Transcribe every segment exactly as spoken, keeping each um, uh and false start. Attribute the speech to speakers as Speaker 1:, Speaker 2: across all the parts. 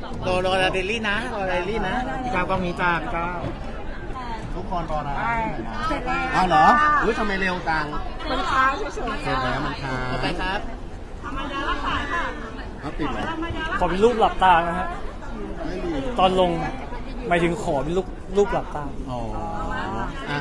Speaker 1: รอรอเดลี่นะรอเดลี่นะพี่ก้าวก็มีจ้าพี่ก้าวทุกคนรอนะ
Speaker 2: เสร็จแล้ว
Speaker 1: อ้าวเหรออุ้ยทำไมเร็วจัง
Speaker 2: มันค้างเฉยๆ
Speaker 1: เสร็จแล้วมันค้างโอเคครับเอาติดเหรอ
Speaker 3: ขอเป็นรูปหลับตานะฮะ
Speaker 1: ไม่มี
Speaker 3: ตอนลงหมายถึงขอเป็นรูปรูปหลับตา
Speaker 1: อ๋ออ่ะ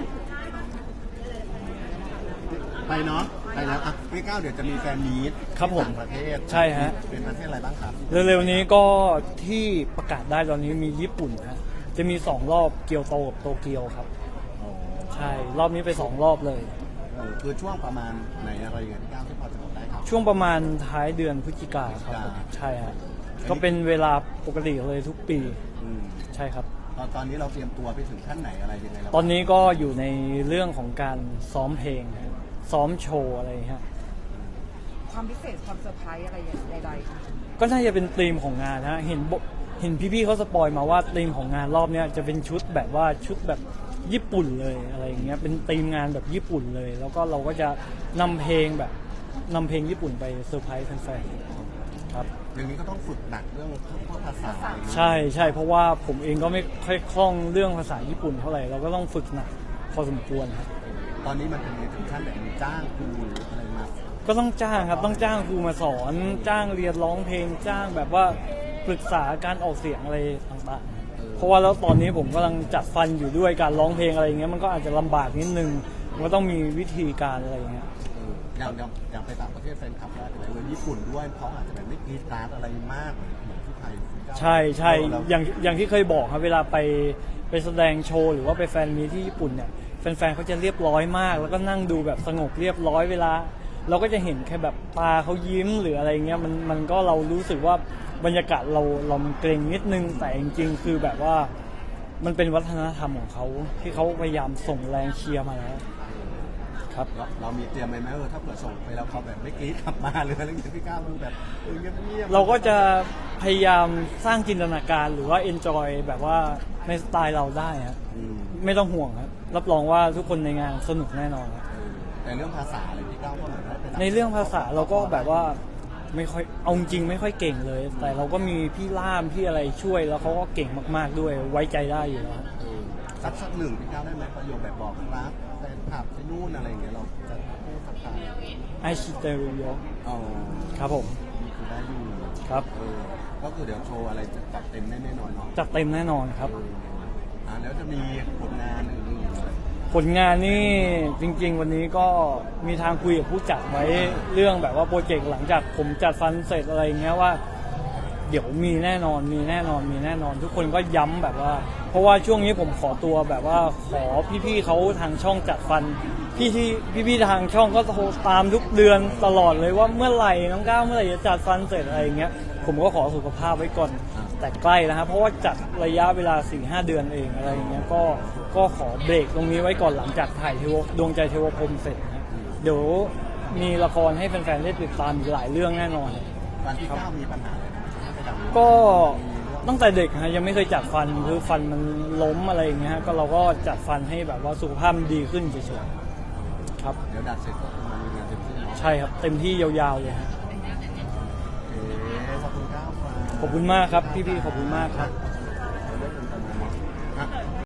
Speaker 1: ไปเนาะไปแล้วอ่ะพี่ก้าวเดี๋ยวจะมีแฟนมีต
Speaker 3: ครับผม
Speaker 1: ต่างประเทศ
Speaker 3: ใช่ฮะ
Speaker 1: เป็นประเทศอะไรบ้างครับ
Speaker 3: เร็วๆนี้ก็ที่ประกาศได้ตอนนี้มีญี่ปุ่นฮะจะมีสองรอบเกียวโตกับโตเกียวครับ
Speaker 1: อ๋อ
Speaker 3: ใช่รอบนี้ไปสองรอบเลย
Speaker 1: เออคือช่วงประมาณไหนอะไรอย่างเงี้ยพี่ก้าวที่พอจะบอกได้ครับ
Speaker 3: ช่วงประมาณท้ายเดือนพฤศจิกาครับ
Speaker 1: พฤศจิกา
Speaker 3: ใช่ฮะก็เป็นเวลาปกติเลยทุกปี
Speaker 1: อืม
Speaker 3: ใช่ครับ
Speaker 1: ตอนตอนนี้เราเตรียมตัวไปถึงขั้นไหนอะไรยังไงแล้ว
Speaker 3: ตอนนี้ก็อยู่ในเรื่องของการซ้อมเพลงฮะซ้อมโชว์อะไรฮะ
Speaker 2: ความพิเศษความเซอร์ไพรส์อะไรอย่างใดๆค่ะ
Speaker 3: ก็น่าจะเป็นธีมของงานฮะเห็นบเห็นพี่ๆเขาสปอยมาว่าธีมของงานรอบเนี้ยจะเป็นชุดแบบว่าชุดแบบญี่ปุ่นเลยอะไรอย่างเงี้ยเป็นธีมงานแบบญี่ปุ่นเลย แล้วก็เราก็จะนำเพลงแบบนำเพลงญี่ปุ่นไปเซอร์ไพรส์แฟนๆครับ
Speaker 1: อย่างนี้ก็ต้องฝึกหนักเรื่องพวกภาษาอะไรอย่างเงี้ย
Speaker 3: ใช่ใช่เพราะว่าผมเองก็ไม่ค่อยคล่องเรื่องภาษาญี่ปุ่นเท่าไหร่เราก็ต้องฝึกหนักพอสมควรครับ
Speaker 1: ตอนนี้มันเป็นถึงขั้นแบบมีจ้างครูหรืออะไรมา
Speaker 3: ก็ต้องจ้างครับต้องจ้างครูมาสอนจ้างเรียนร้องเพลงจ้างแบบว่าปรึกษาการออกเสียงอะไรต่างๆเพราะว่าแล้วตอนนี้ผมกำลังจัดฟันอยู่ด้วยการร้องเพลงอะไรอย่างเงี้ยมันก็อาจจะลำบากนิดนึงมันก็ต้องมีวิธีการอะไรอย่างเงี้ย
Speaker 1: เอออย่างอย่างอย่างไปต่างประเทศแฟนคลับอะไรเลยญี่ปุ่นด้วยเขาอาจจะแบบไม่กรีดกราร์ดอะไรมากเหมือนเหมือนที่ไทย
Speaker 3: ใช่ใช่
Speaker 1: เรา
Speaker 3: อย่างอย่างที่เคยบอกครับเวลาไปไปแสดงโชว์หรือว่าไปแฟนมีตที่ญี่ปุ่นเนี่ยแฟนๆเขาจะเรียบร้อยมาก แล้วก็นั่งดูแบบสงบเรียบร้อยเวลา เราก็จะเห็นแค่แบบตาเขายิ้มหรืออะไรเงี้ยมันมันก็เรารู้สึกว่าบรรยากาศเราเรามันเกรงนิดนึงแต่จริงๆคือแบบว่ามันเป็นวัฒนธรรมของเขาที่เขาพยายามส่งแรงเชียร์มาแล้วครับ
Speaker 1: เราเรามีเตรียมไหมไหมเออถ้าเกิดส่งไปแล้วเขาแบบไม่กรีดกลับมาหรืออะไรอย่างเงี้ยพี่ก้าวมันแบบเออเงียบๆ
Speaker 3: เราก็จะพยายามสร้างจินตนาการหรือว่าเอนจอยแบบว่าในสไตล์เราได้ครับ
Speaker 1: อืม
Speaker 3: ไม่ต้องห่วงครับรับรองว่าทุกคนในงานสนุกแน่นอนครับ
Speaker 1: เออแต่เรื่องภาษาอะไรพี่ก้าวก็เหมือนว่าป็
Speaker 3: ในเรื่องภาษาเราก็แบบว่าไม่ค่อยเอาจริงไม่ค่อยเก่งเลย แต่เราก็มีพี่ล่ามพี่อะไรช่วยแล้วเขาก็เก่งมากๆด้วยไว้ใจได้อยู่แล้วครับ
Speaker 1: เออสักสักหนึ่งพี่ก้าวได้ไหมประโยคแบบบอกรักแฟนคลับที่นู่นอะไรอย่างเงี้ยเราจะพูดสักคำ
Speaker 3: ไอชิเตรุโย
Speaker 1: อ๋อ
Speaker 3: ครับผม
Speaker 1: นี่คือได้อยู่
Speaker 3: ครับ
Speaker 1: เออก็คือเดี๋ยวโชว์อะไรจะจัดเต็มแน่ๆนอนเนาะ
Speaker 3: จัดเต็มแน่นอนครับ
Speaker 1: เอออ่าแล้วจะมีผลงานอื่นๆ
Speaker 3: ผลงานนี่จริงๆ วันนี้ก็มีทางคุยกับผู้จัดไว้เรื่องแบบว่าโปรเจกต์หลังจากผมจัดฟันเสร็จอะไรเงี้ยว่า เดี๋ยวมีแน่นอนมีแน่นอนมีแน่นอน ทุกคนก็ย้ำแบบว่า เพราะว่าช่วงนี้ผมขอตัวแบบว่าขอพี่ๆเขาทางช่องจัดฟันพี่ที่พี่ๆทางช่องก็โทรตามทุกเดือนตลอดเลยว่าเมื่อไหร่น้องก้าวเมื่อไหร่จะจัดฟันเสร็จอะไรเงี้ยผมก็ขอสุขภาพไว้ก่อนแต่ใกล้แล้วครับเพราะว่าจัดระยะเวลา สี่ห้า เดือนเองอะไรอย่างเงี้ยก็ก็ขอเบรกตรงนี้ไว้ก่อนหลังจากถ่ายเทวดวงใจเทวพรหมเสร็จนะเดี๋ยวมีละครให้แฟนๆได้ติดตามอีกหลายเรื่องแน่นอน
Speaker 1: ตอนที่ก้าวมีปัญหาอะไรไหมไปดัง
Speaker 3: ก็ตั้งแต่เด็กฮะยังไม่เคยจัดฟันคือฟันมันล้มอะไรอย่างเงี้ยฮะก็เราก็จัดฟันให้แบบว่าสุขภาพมันดีขึ้นเฉยๆครับ
Speaker 1: เดี๋ยวดัดเสร็จก็คือมามีงานเต็มที่เนาะ
Speaker 3: ใช่ครับเต็มที่ยาวๆเลยฮะ
Speaker 1: โอเคขอบคุณก้าวครับ
Speaker 3: ขอบคุณมากครับพี่ๆขอบคุณมากครับ